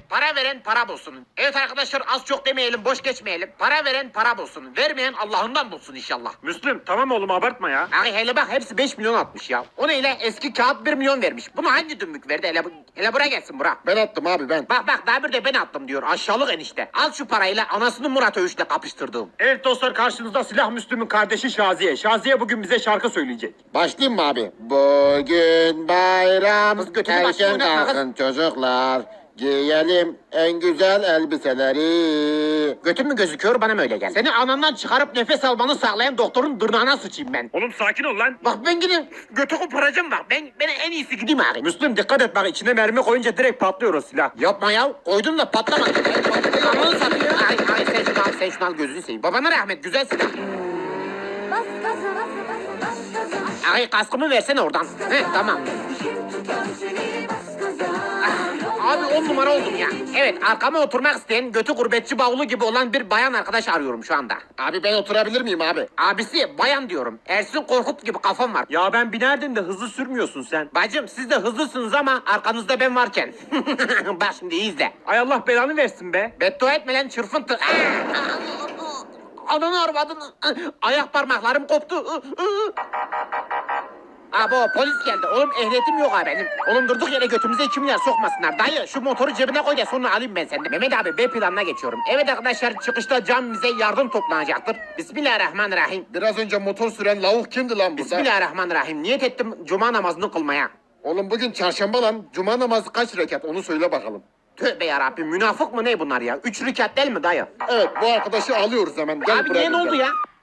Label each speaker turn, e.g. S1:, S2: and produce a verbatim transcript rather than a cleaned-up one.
S1: para veren para bulsun. Evet arkadaşlar, az çok demeyelim, boş geçmeyelim. Para veren para bulsun. Vermeyen Allah'ından bulsun inşallah.
S2: Müslüm tamam oğlum abartma ya.
S1: Abi hele bak, hepsi beş milyon atmış ya. O neyle? Eski kağıt bir milyon vermiş. Bunu hangi dümbük verdi? Hele, bu- hele buraya gelsin bura.
S3: Ben attım abi ben.
S1: Bak bak, daha bir de ben attım diyor. Aşağılık enişte. Al şu parayla anasını Murat Övüş'le kapıştırdığım.
S2: Evet dostlar, karşınızda Silah Müslüm'ün kardeşi Şaziye. Şaziye bugün bize şarkı söyleyecek.
S3: Başlayayım mı abi? Bugün bayram.
S1: Kız götünü başına
S3: Erken
S1: oynatma kız.
S3: kalkın çocuklar. Giyelim en güzel elbiseleri.
S1: Götün mü gözüküyor, bana mı öyle gel? Seni anandan çıkarıp nefes almanı sağlayan doktorun dırnağına sıçayım ben.
S2: Oğlum sakin ol lan.
S1: Bak ben gideyim, götü koparacağım bak. Ben, ben en iyisi gideyim abi.
S2: Müslüm dikkat et bak, içine mermi koyunca direkt patlıyor o silah.
S1: Yapma ya, koydum da patlamadı. Ananı satayım. Ay ay, sen şunu al, sen şunu al, gözünü seveyim. Babana rahmet, güzel silah.
S4: Bas gaza, bas bas bas gaza.
S1: Ay kaskımı versene oradan. Heh, tamam.
S4: İşim tutar seni, bas gaza.
S1: Abi on numara oldum ya. Evet, arkama oturmak isteyen götü gurbetçi bavulu gibi olan bir bayan arkadaş arıyorum şu anda.
S3: Abi ben oturabilir miyim abi?
S1: Abisi bayan diyorum. Ersin Korkut gibi kafam var.
S2: Ya ben binerdim de hızlı sürmüyorsun sen.
S1: Bacım siz de hızlısınız ama arkanızda ben varken. Bak şimdi iyi izle.
S2: Ay Allah belanı versin be.
S1: Beddua etme lan çırpıntı. Ananı arvadını. Ayak parmaklarım koptu. Abo polis geldi. Oğlum ehliyetim yok ha benim. Oğlum durduk yere götümüze iki milyar sokmasınlar. Dayı şu motoru cebine koy da sonra alayım ben senden. Mehmet abi B planına geçiyorum. Evet arkadaşlar, çıkışta cam bize yardım toplanacaktır. Bismillahirrahmanirrahim.
S3: Biraz önce motor süren lavuk kimdi lan burada?
S1: Bismillahirrahmanirrahim. Niyet ettim cuma namazını kılmaya.
S3: Oğlum bugün çarşamba lan. Cuma namazı kaç rekat onu söyle bakalım.
S1: Tövbe yarabbim, münafık mı ne bunlar ya? Üç rekat değil mi dayı?
S3: Evet bu arkadaşı alıyoruz hemen. Gel
S1: Abi
S3: buraya
S1: niye ne
S3: gel.
S1: oldu ya?